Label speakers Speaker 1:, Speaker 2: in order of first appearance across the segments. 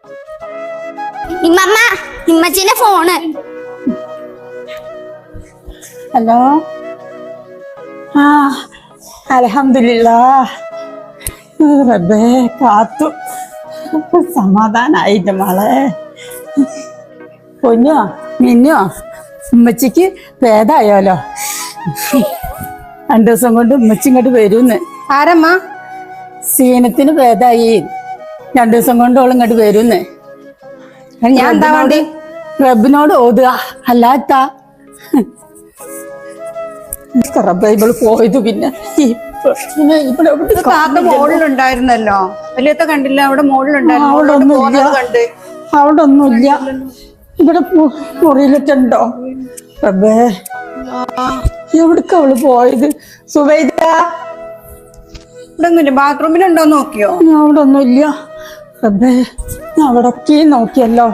Speaker 1: ഇമ്മമ്മ ഇമ്മച്ചിന്റെ phone.
Speaker 2: Hello. ആ അൽഹംദുലില്ലാഹ് റബ്ബേ കാത്തു. സമാധാനായിട്ട് മോളെ. പൊന്നോ മിന്നോ ഉമ്മച്ചിക്ക് ഭേദായോലോ. 2 ദിവസം കൊണ്ട് ഉമ്മച്ചി ഇങ്ങോട്ട് വരൂന്ന്.
Speaker 3: ആരമ്മ?
Speaker 2: സീനത്തിന് ഭേദായി. 2 ദിവസം കൊണ്ട് ഓൾ ഇങ്ങോട്ട് വരൂന്ന്.
Speaker 3: ഞാൻ എന്താ വേണ്ടി?
Speaker 2: റബ്ബിനോട് ഓതുക അല്ലാത്ത റബ്ബൈബിൾ പോയത്. പിന്നെ
Speaker 3: താത്ത മോളിലുണ്ടായിരുന്നല്ലോ. വലിയത്ത കണ്ടില്ല? അവിടെ മോളിലുണ്ടായിരുന്നു.
Speaker 2: അവിടെ ഒന്നുമില്ല. ഇവിടെ മുറിയിലിട്ടുണ്ടോ? റബ്ബേ എവിടക്ക അവള് പോയത്? സുബൈദ
Speaker 3: ഇവിടെ ഒന്നുമില്ല. ബാത്റൂമിലുണ്ടോ നോക്കിയോ?
Speaker 2: അവിടെ ഒന്നുമില്ല. റബ്ബേ ഞാൻ അവിടെ ഒക്കെ നോക്കിയല്ലോ.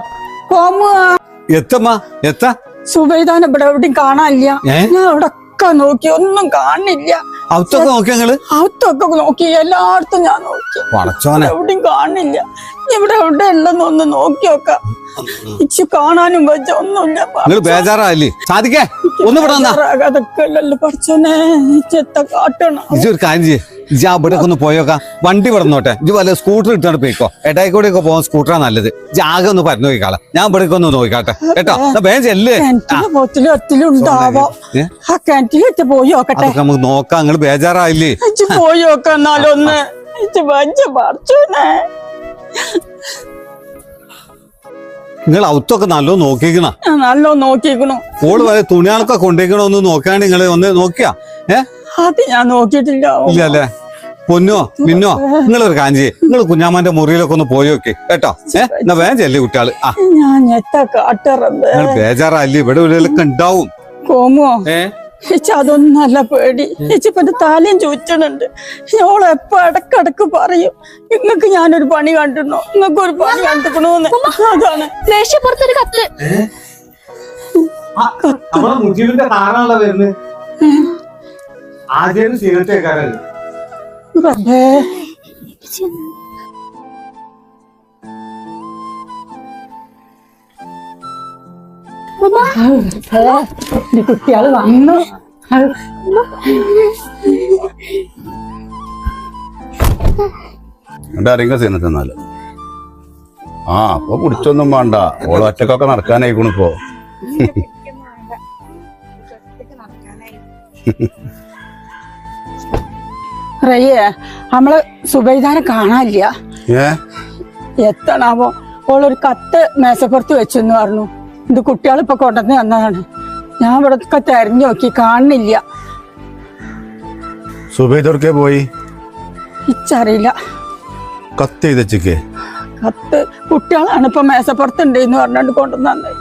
Speaker 2: സുബൈദാൻ ഇവിടെ എവിടെയും കാണാനില്ല. ഞാൻ അവിടെ നോക്കി ഒന്നും കാണില്ല. അകത്തൊക്കെ നോക്കി, എല്ലായിടത്തും ഞാൻ നോക്കി, എവിടെയും കാണില്ല. ഇവിടെ എവിടെ ഉണ്ടെന്ന് ഒന്ന് നോക്കി നോക്കാം. ഇച്ചു കാണാനും പറ്റ ഒന്നുമില്ല. അതൊക്കെ അല്ലല്ലോ പഠിച്ചോനെ. ചെത്ത കാട്ടണം.
Speaker 4: ഇവിടെ ഒന്ന് പോയോക്കാം. വണ്ടി വിടന്നോട്ടെ. ഇജ് വല്ല സ്കൂട്ടർ ഇട്ടാണ് പോയിക്കോ. എടായിക്കൂടെ ഒക്കെ പോകാൻ സ്കൂട്ടറാ നല്ലത്. ജാഗ ഒന്ന് പറഞ്ഞു നോക്കിക്കാളെ. ഞാൻ ഇവിടെ ഒന്ന് നോക്കാട്ടെ കേട്ടോ. ചെല്ല്.
Speaker 2: ആ കിണറ്റിലിട്ട് പോയി നോക്കട്ടെ.
Speaker 4: നമുക്ക് നോക്കാം. നിങ്ങള് ബേജാറായില്ലേ?
Speaker 2: പോയി നോക്കാം എന്നാലൊന്ന്.
Speaker 4: നിങ്ങൾ ഔത്തൊക്കെ നല്ലോ നോക്കിക്കണ.
Speaker 2: നല്ലോ നോക്കിക്കണു.
Speaker 4: ഓള് വരെ തുണിയാളൊക്കെ കൊണ്ടേക്കണോ ഒന്ന് നോക്കാണ്ട് നിങ്ങള് ഒന്ന് നോക്കിയാ?
Speaker 2: അത് ഞാൻ നോക്കിയിട്ടില്ല.
Speaker 4: ഇല്ല അല്ലേ? പൊന്നോ മിന്നോ നിങ്ങളൊരു കാഞ്ചി. നിങ്ങൾ കുഞ്ഞാമാന്റെ മുറിയിലൊക്കെ ഒന്ന് പോയി നോക്കി കേട്ടോ. എന്നാ വേഗം ചെല്ലേ കുട്ടികള്. നിങ്ങൾ ബേജാറല്ലേ? ഇവിടെ ഉള്ളിലൊക്കെ ഉണ്ടാവും.
Speaker 2: കോമോ അതൊന്നും നല്ല പേടി. ചേച്ചിപ്പന്റെ താലയും ചോദിച്ചണുണ്ട്. ഓളെപ്പോ ഇടക്കിടക്ക് പറയും, നിങ്ങക്ക് ഞാനൊരു പണി കണ്ടിരുന്നോ, നിങ്ങക്ക് ഒരു പണി കണ്ടിക്കണോന്ന്. അതാണ്
Speaker 1: ദേഷ്യപ്പുറത്തൊരു കത്ത്.
Speaker 2: കുട്ടികള് വന്നു.
Speaker 5: സീനത്തെന്നാല് അപ്പൊ പിടിച്ചൊന്നും വേണ്ട. ഓള് ഒറ്റക്കൊക്കെ നടക്കാനായിക്കണിപ്പോ.
Speaker 2: റയ്യേ നമ്മള് സുബൈദാനെ കാണാനില്ല. എത്തണാവോ? ഓളൊരു കത്ത് മേശപ്പുറത്ത് വെച്ചെന്ന് പറഞ്ഞു. ഇത് കുട്ടികളിപ്പൊ കൊണ്ടുവന്ന് തന്നതാണ്. ഞാൻ ഇവിടെ തെരഞ്ഞു നോക്കി, കാണുന്നില്ല.
Speaker 5: സുബൈദൊക്കെ പോയി
Speaker 2: ഇച്ചറിയില്ല.
Speaker 5: കത്ത് ചെയ്തേക്ക്.
Speaker 2: കത്ത് കുട്ടികളാണ് ഇപ്പൊ മേശപ്പുറത്തുണ്ട് എന്ന് പറഞ്ഞോണ്ട് കൊണ്ടുവന്നത്.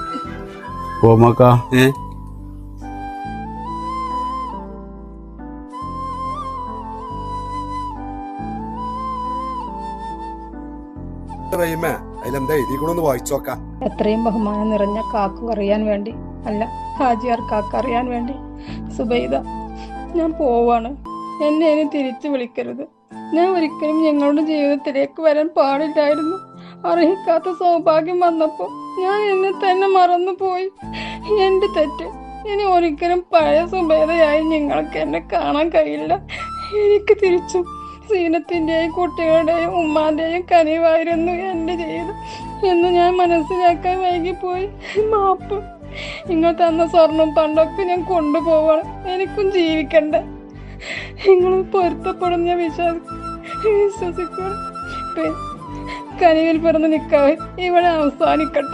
Speaker 6: എത്രയും ബഹുമാനം നിറഞ്ഞ കാക്കു അറിയാൻ വേണ്ടി, അല്ല ഹാജിയാർ കാക്ക അറിയാൻ വേണ്ടി. സുബൈദ, ഞാൻ പോവാണ്. എന്നെ ഇനി തിരിച്ചു വിളിക്കരുത്. ഞാൻ ഒരിക്കലും ഞങ്ങളുടെ ജീവിതത്തിലേക്ക് വരാൻ പാടില്ലായിരുന്നു. അർഹിക്കാത്ത സൗഭാഗ്യം വന്നപ്പോ ഞാൻ എന്നെ തന്നെ മറന്നുപോയി. എന്റെ തെറ്റ്. ഇനി ഒരിക്കലും പഴയ സുബൈദയായി നിങ്ങൾക്ക് എന്നെ കാണാൻ കഴിയില്ല. എനിക്ക് തിരിച്ചും സീനത്തിന്റെയും കുട്ടികളുടെയും ഉമ്മാന്റെയും കനിവായിരുന്നു എന്റെ ജീവിതം എന്ന് ഞാൻ മനസ്സിലാക്കാൻ വൈകിപ്പോയി. മാപ്പ്. നിങ്ങൾ തന്ന സ്വർണം പണ്ടൊക്കെ ഞാൻ കൊണ്ടുപോവാണ്. എനിക്കും ജീവിക്കണ്ട. നിങ്ങൾ പൊരുത്തപ്പെടും ഞാൻ വിശ്വസിക്കണം. കനിവിൽ പിറന്ന് നിൽക്കാതെ ഇവിടെ അവസാനിക്കട്ടെ.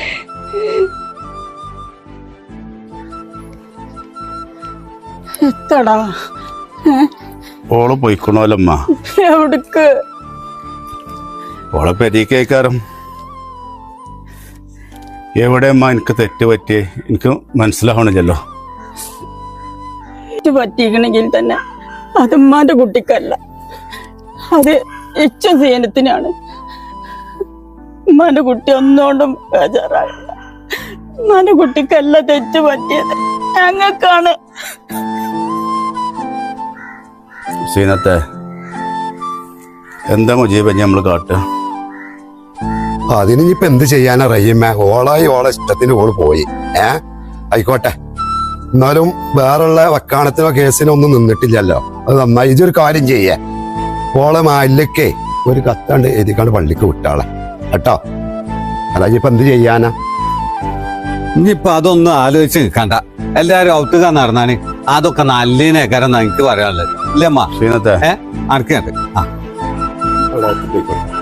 Speaker 2: എത്തടാ
Speaker 5: ഓള് പോയിക്കണോലമ്മ.
Speaker 2: എവിടക്ക്?
Speaker 5: ഓളെ പെരീക്കേക്കാരം. എവിടെയമ്മ എനിക്ക് തെറ്റ് പറ്റിയേ? എനിക്ക് മനസ്സിലാവണില്ലല്ലോ.
Speaker 2: പറ്റിക്കണമെങ്കിൽ തന്നെ അത് ഉമ്മാന്റെ കുട്ടിക്കല്ല, അത് ഇച്ചും സീനത്തിനാണ്. ഉമ്മാന്റെ കുട്ടി ഒന്നുകൊണ്ടും ബേജാറാകില്ല. ഉമ്മാന്റെ കുട്ടിക്കല്ല തെറ്റ് പറ്റിയത്, ഞങ്ങൾക്കാണ്.
Speaker 5: സീനത്തെ എന്താ മുജീബ് നമ്മള് കാട്ടുക?
Speaker 7: അതിന് ഇനിയിപ്പൊ എന്ത് ചെയ്യാനാ റഹീമ? ഓളായി ഓളെ ഇഷ്ടത്തിന് ഓള് പോയി. ആയിക്കോട്ടെ, എന്നാലും വേറുള്ള വക്കാണത്തിനോ കേസിനോ ഒന്നും നിന്നിട്ടില്ലല്ലോ. അത് നന്നായി. ഇതൊരു കാര്യം ചെയ്യേ, ഓളെ മാലിലൊക്കെ ഒരു കത്താണ്ട് എഴുതിക്കാണ്ട് പള്ളിക്ക് വിട്ടാളെ കേട്ടോ. അല്ല ഇനിയിപ്പൊ എന്ത് ചെയ്യാനാ?
Speaker 4: ഇനിയിപ്പൊ അതൊന്നും ആലോചിച്ച് നിൽക്കണ്ട. എല്ലാരും ഔട്ടുക നടന്നാണ് അതൊക്കെ നല്ലതിനേക്കാരം എനിക്ക് പറയാനുള്ളത്. ഇല്ലമ്മ
Speaker 5: ശ്രീനത്തെ
Speaker 4: അനക്കുണ്ട്. ആ
Speaker 7: അവിടെ പോയിക്കോട്ടെ.